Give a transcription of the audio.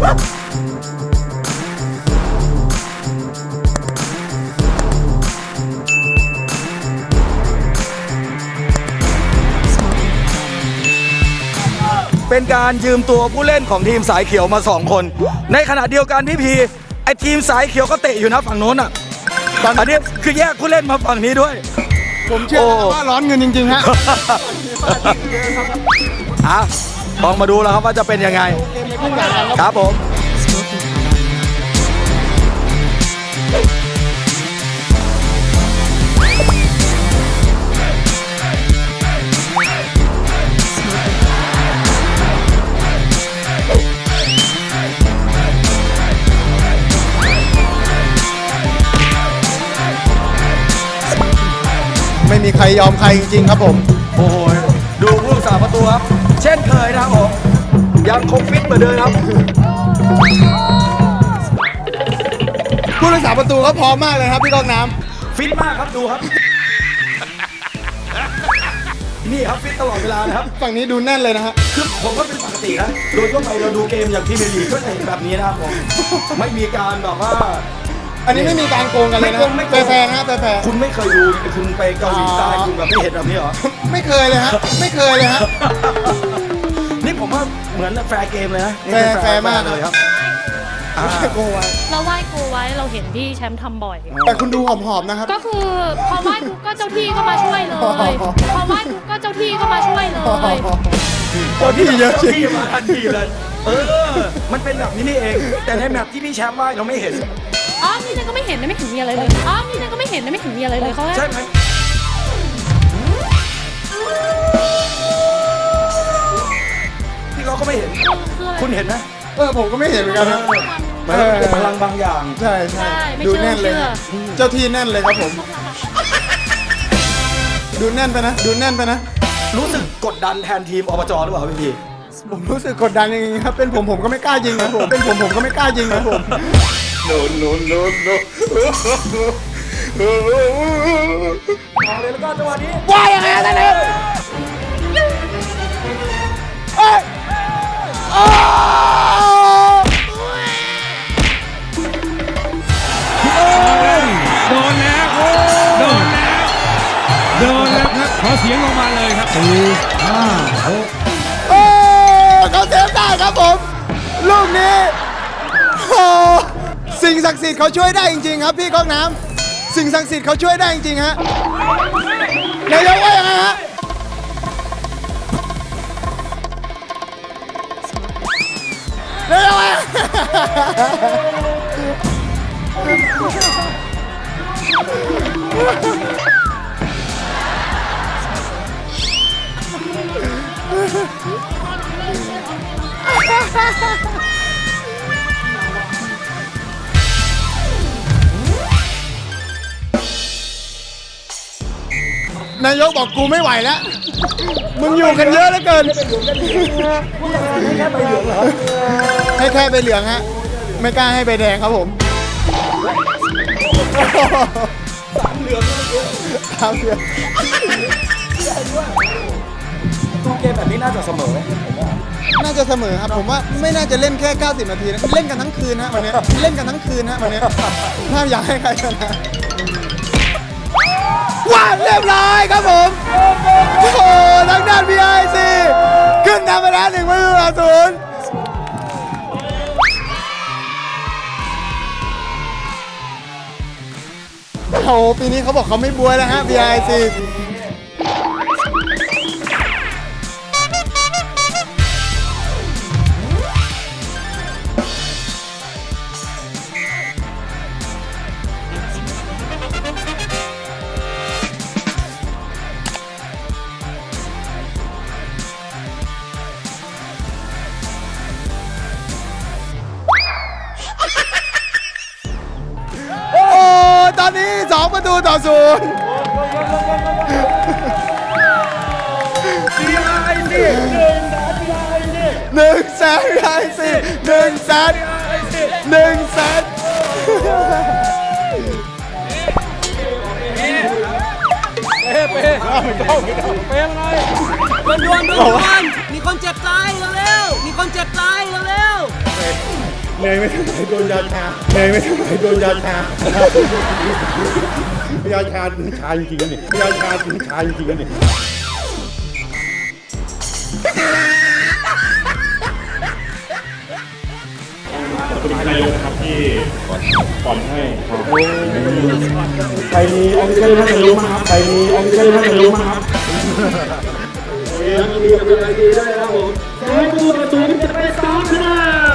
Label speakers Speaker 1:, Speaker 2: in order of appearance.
Speaker 1: เป็นการยืมตัวผู้เล่นของทีมสายเขียวมา2 คนในขณะเดียวกันพี่พีไอทีมสายเขียวก็เตะอยู่นะฝั่งโน้นอ่ะอันนี้คือแยกผู้เล่นมาฝั่งนี้ด้วย
Speaker 2: ผมเชื่อว่าร้อนเงินจริงๆฮะ
Speaker 1: ลองมาดูแล้วครับว่าจะเป็นยังไงครับผม
Speaker 2: ไม่มีใครยอมใครจริงๆครับผม
Speaker 1: โอ้โหดูผู้รักษาประตูครับเช่นเคยนะครับผมยังคงฟิตเหมือนเดิมครับ
Speaker 2: ผู้รักษาประตูก็พร้อมมากเลยครับพี่กองน้
Speaker 1: ำฟิตมากครับดูครับนี่ครับฟิตตลอดเวลานะครับ
Speaker 2: ฝั่งนี้ดูแน่นเลยนะฮะ
Speaker 1: คือผมก็เป็นปกตินะโดยทั่วไปเราดูเกมอย่างที่เมลีก็จะเห็นแบบนี้นะครับผมไม่มีการแบบว่า
Speaker 2: อันนี้ไม่มีการโกงกันเลยนะแฟร์นะแฟร์
Speaker 1: คุณไม่เคยดูคุณไปเกาหลีใต้คุณแบบไม่เห็นแบบนี้เหรอ
Speaker 2: ไม่เคยเลยฮะไม่เคยเลยฮะ
Speaker 1: นี่ผมว่าเหมือนแฟร์เกมเลยนะ
Speaker 2: แฟร์มาก
Speaker 1: เลยครับ
Speaker 2: โกไว้
Speaker 3: เราไหว้กูไว้เราเห็นพี่แชมป์ทำบ่อย
Speaker 2: แต่คุณดูหอมๆนะครับ
Speaker 3: ก็คือพอไหว้กูก็เจ้าที่ก็มาช่วยเลยพอไหว้กูก็เจ้าที่ก็มาช่วยเลย
Speaker 1: เจ้าที่เยอะที่มาทันทีเลยมันเป็นแบบนี้นี่เองแต่ในแมปที่พี่แชมป์ไหว้เราไม่เห็น
Speaker 3: นี่นั่นก็ไม่เห็นนะไม่เห็นมีอะไรเลยนี่นั่นก็ไม่เห็นนะไม่เห็นมีอะไรเลยเขา
Speaker 1: ใช่ไหมที่เราก็ไม่เห็นคุณเห็นนะ
Speaker 2: ผมก็ไม่เห็นเหมือนกันนะ
Speaker 1: เป็นพลังบางอย่าง
Speaker 2: ใช่ดูแน่นเลยเจ้าที่แน่นเลยครับผมดูแน่นไปนะดูแน่นไปนะ
Speaker 1: รู้สึกกดดันแทนทีมอบจหรือเปล่าพี่
Speaker 2: ผมรู้สึกกดดันอย่างนี้ครับเป็นผมก็ไม่กล้ายิงนะผมเป็นผมก็ไม่กล้ายิงนะผม
Speaker 1: โน้เอาเลยแล้วก็จังหวะนี้
Speaker 2: ว่าอย่างไรกันเนี่ย
Speaker 4: โดนแล้วครับขอเสียงลงมาเลยครับ
Speaker 2: เขาเซฟได้ครับผมลูกนี้สิ่งศักดิ์สิทธิ์เขาช่วยได้จริงๆครับพี่ก้องน้ำสิ่งศักดิ์สิทธิ์เขาช่วยได้จริงๆฮะนายกว่ายังไงฮะนายกว่านายกบอกกูไม่ไหวแล้วมึงอยู่กันเยอะเหลือเกินให้แค่ใบเหลืองฮะไม่กล้าให้ใบแดงครับผม3 เหลือง
Speaker 1: ตู้เกมแบบนี้น่าจะเสมอ
Speaker 2: น่าจะเสมอครับผมว่าไม่น่าจะเล่นแค่90 นาทีนะเล่นกันทั้งคืนฮะวันนี้เล่นกันทั้งคืนฮะวันนี้ถ้าอยากให้ใครชนะว้าวเรียบร้อยครับผมโอ้โหทางด้าน BIC ขึ้นนำไปแล้ว1-0โอ้โหปีนี้เขาบอกเขาไม่บวยแล้วฮะ BICตอนนี้2-01-0
Speaker 5: ด่วนมีคนเจ็บตายเร็วๆมีคนเจ็บตายเร็วๆเหนื่อยไม่เท่าไหร่โดนยาชาเหนื่อยไม่เท่าไหร่โดนยาชายาชาถึงชาจริงๆนะนี่ยาชาถึงชาจริงๆนะนี่ขอบคุณนายกนะครับที่ปอนให้ใครมีออฟฟิเชียลท่านนายกมั้งครับใครมีออฟฟิเชียลท่านนายกมั้งครับยินดีกับนายกได้แล้วผมขอให้ผู้ประตูจะไป3คะแนน